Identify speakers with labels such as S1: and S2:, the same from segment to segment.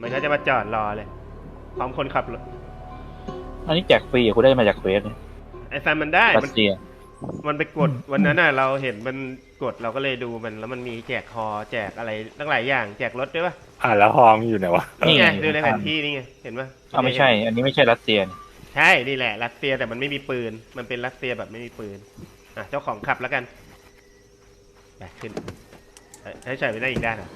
S1: มันก็จะมาจอดรอเลยพร้อมคนขับรถ
S2: อันนี้แจกฟรีคุณได้มาจากเฟสเนี่ย
S1: ไอ้ซันมันได้
S2: รัสเซีย
S1: มันไปกดวันนั้นน่ะเราเห็นมันกดเราก็เลยดูมันแล้วมันมีแจกฮอแจกอะไรตั้งหลายอย่างแจกรถด้วยป่ะ
S3: แล้วฮองอยู่ไหนวะ
S1: นี่ไงดูในแผนที่นี่ไงเห็นป่ะ
S2: ไม่ใช่ อันนี้ไม่ใช่รัสเซียนี่
S1: ใช่นี่แหละรัสเซียแต่มันไม่มีปืนมันเป็นรัสเซียแบบไม่มีปืนอ่ะเจ้าของขับแล้วกันไปขึ้นให้ใส่ไปได้อีกด้านอ่ะ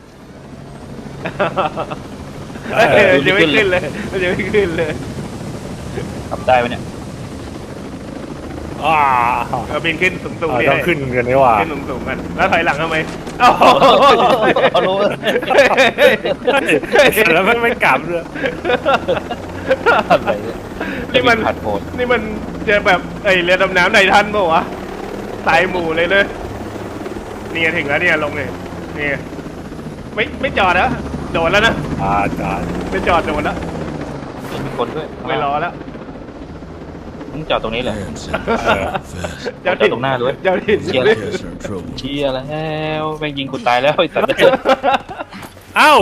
S1: จะไม่ขึ้นเลยจะไม่ขึ้นเลย
S2: ขับได้ไหมเนี่ย
S1: เราบินขึ้นสูงๆนี่
S3: ต้องขึ้นกันนี่หว่า
S1: ขึ้นสูงๆกันแล้วถอยหลังทำไมเอ้า
S2: เอารู้
S3: แล้วไม่กลับเลย
S2: อะไรเนี่ย
S1: นี่มัน
S2: ผัดโผด
S1: นี่มันจะแบบเรือดำน้ำในทันป่าวะสายหมู่เลยเลยนี่ถึงแล้วเนี่ยลงเลยนี่ไม่จอดแล้วโดดแล้วนะ
S3: จอด
S1: ไม่จอดโดดแล้ว
S2: มีคนด้วย
S1: ไม่รอแล้ว
S2: มึงจอดตรงนี้เหรอ
S1: เจ้า
S2: จอดตรงหน้าด้วย
S1: เจ้าถิ่น
S2: เชียร์แล้วแม่งยิงกูตายแล้วไอ้สัตว์
S3: เอ้า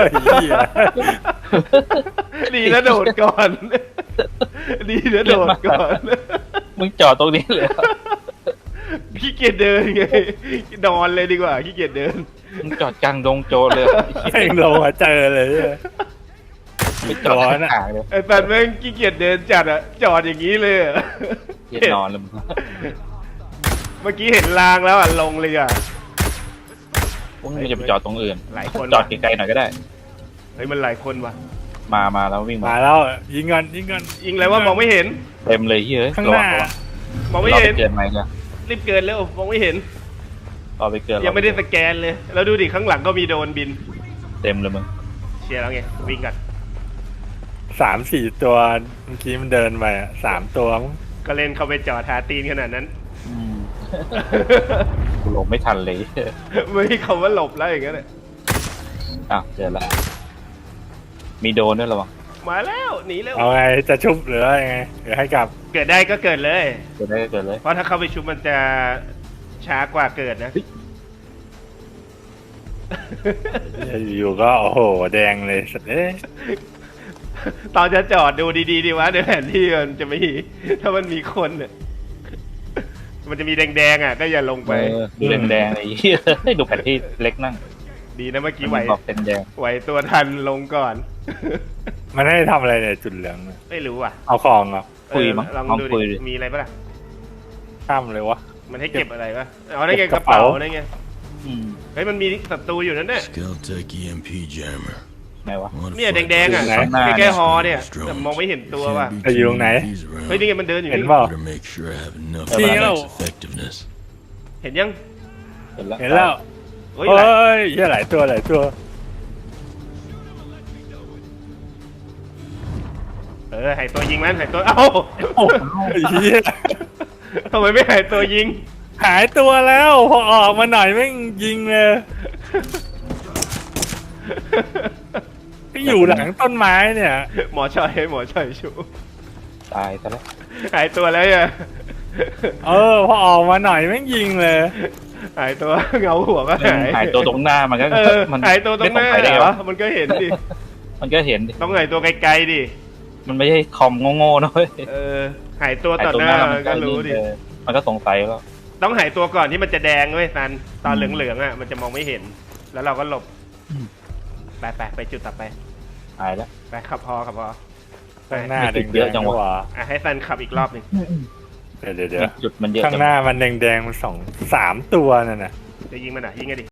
S1: ดีนะโดดก่อนดีนะโดดก่อน
S2: มึงจอดตรงนี้เลย
S1: ขี้เกียจเดินไงนอนเลยดีกว่าขี้เกียจเดิน
S2: มึงจอดกลางดงโจรเลย
S3: เพ่งลงมาเจอเลย
S2: ไม่จอดห่างเลย
S1: ไอ้สัตว์แม่งขี้เกียจเดินจัดอะจอดอย่างนี้เลยอะ
S2: เย็นนอนเลยมึง
S1: เมื่อกี้เห็นรางแล้วอะลงเลยอะ
S2: มึงจะไปจอดตรงอื่น
S1: หลายคน
S2: จอดไกลๆหน่อยก็ได้
S1: เฮ้ยมันหลายคนว่ะ
S2: มาแล้ววิ่ง
S3: มาแล้วยิงกัน
S1: ยิงอะไรว่ามองไม่เห็น
S2: เต็มเลยเฮ้ย
S3: ข้างหน้า
S1: มองไม่เห็น
S2: เกินไหมเนี่ย
S1: รีบเกินแล้วมองไม่เห็น
S2: รอไปเกิน
S1: ยังไม่ได้สแกนเลย แล้วดูดิข้างหลังก็มีโดรนบิน
S2: เต็มเลยมึง
S1: เชียร์แล้วไงวิ่งกัน
S3: 3-4 ตัวเมื่อกี้มันเดินไป3 ตัวมั้ง
S1: ก็เล่นเข้าไปจอดหาตีนขนาดนั้น
S2: กูลงไม่ทันเลย
S1: ไม่มีคำว่าหลบแล้วอย่างเงี้ยเลย
S2: อ้าวเจอละมีโดนด้วยหรอวะ
S1: มาแล้วหนีแล้ว
S3: เอาไงจะชุบหรือยังไงหรือให้กลับ
S1: เกิดได้ก็เกิดเลย
S2: เกิดได้ก็เกิดเลย
S1: เพราะถ้าเข้าไปชุบมันจะช้ากว่าเกิดนะ
S3: อยู่ก็โอ้โหแดงเลยสัตว์
S1: ตอนจะจอดดูดีๆดีวะในแผนที่มันจะไม่ถ้ามันมีคนเนี่ยมันจะมีแดงๆอ่ะก็อย่าลงไป
S2: ดูแดงๆไอ้เหี้ยดูแผนที่เล็กนั่ง
S1: ดีนะเมื่อกี้ไหว
S2: บอกเป็นแดง
S1: ไหวตัวทันลงก่อน
S3: มันให้ทำอะไรเนี่ยจุดเหลือง
S1: ไม่รู้อ่ะ
S3: เอาของเหรอ
S2: คุยมั้ง
S1: ลอง
S2: ลอง
S1: ดู
S2: คุย
S1: ดิ
S2: ดิ
S1: มีอะไรปะล่ะ
S3: ข้ามเลยวะ
S1: มันให้เก็บอะไรปะเอาได้ไง
S3: เก็
S1: ก
S3: บ
S1: ระ
S3: กระเป๋า
S1: เป๋าได้ไง
S2: อืม
S1: เฮ้ยมันมีศัตรูอยู่นั่นเนี่ย
S4: Skeltec EMP jammer.
S2: ไหนวะ
S1: เนี่ยแดงๆอ่ะ
S3: ไหน
S1: ใกล้ๆฮอเนี่ยแต่มองไม่เห็นตัวว่ะ
S3: ไปอยู่ตรงไหน
S1: เฮ้ยนี่ไงมันเดินอยู่
S3: เห็น
S1: นี่
S3: เปล่า
S4: Better make sure I have enough
S3: See
S4: for
S3: you.
S4: its effectiveness.
S1: เห็นยัง
S2: เห็นแล้ว
S3: เห็นแล้ว
S1: เฮ้ย
S3: เฮ้ยเหี้ยหลายตัว
S1: หายตัวยิงมันหายตัวเอ้า
S3: โอ้ยเหี้ย
S1: ทำไมไม่หายตัวยิง
S3: หายตัวแล้วพอออกมาหน่อยแม่งยิงเลยอยู่หลังต้นไม้เนี่ย
S1: หมอชอยชู
S2: ตายซะแล้ว
S1: หายตัวแล้วอ่ะ
S3: พอออกมาหน่อยแม่งยิงเลย
S1: หายตัวเงาหัวก็หาย
S2: หายตัวตรงหน้ามันก็ มัน
S1: หายตัวตรงหน้า
S2: ไม่ได้
S1: เหร
S2: เหร
S1: อ
S2: อ
S1: มันก็เห็นดิ
S2: มันก็เห็นดิ
S1: ต้องหายตัวไกลๆดิ
S2: มันไม่ใช่คอมโง่ๆนะเว้ย
S1: หายตัว
S2: หาย
S1: ต่อ
S2: ตัว
S1: ห
S2: ห
S1: น้า
S2: น้ามัน
S1: ก็
S2: ก็
S1: รู้ดิ
S2: มันก็สงสัยแล้ว
S1: ต้องหายตัวก่อนที่มันจะแดงเว้ยซันตอนเหลืองๆอ่ะมันจะมองไม่เห็น แล้วเราก็หลบไปจุดต่อไป
S2: หายแล้ว
S1: ไปขับพอ
S3: ข้างหน้า
S2: ไม่
S3: แด
S2: ติ
S3: ง
S2: ดเยอะจังวะ
S1: ให้ซันขับอีกรอบหนึ่ง
S3: เดี๋ยว
S2: จุดมันเยอะ
S3: ข้าง
S2: จัง
S3: หน้ามันแดงๆมัน3 ตัวนั่นน่ะ
S1: จะยิงมันอ่ะยิงไงดิ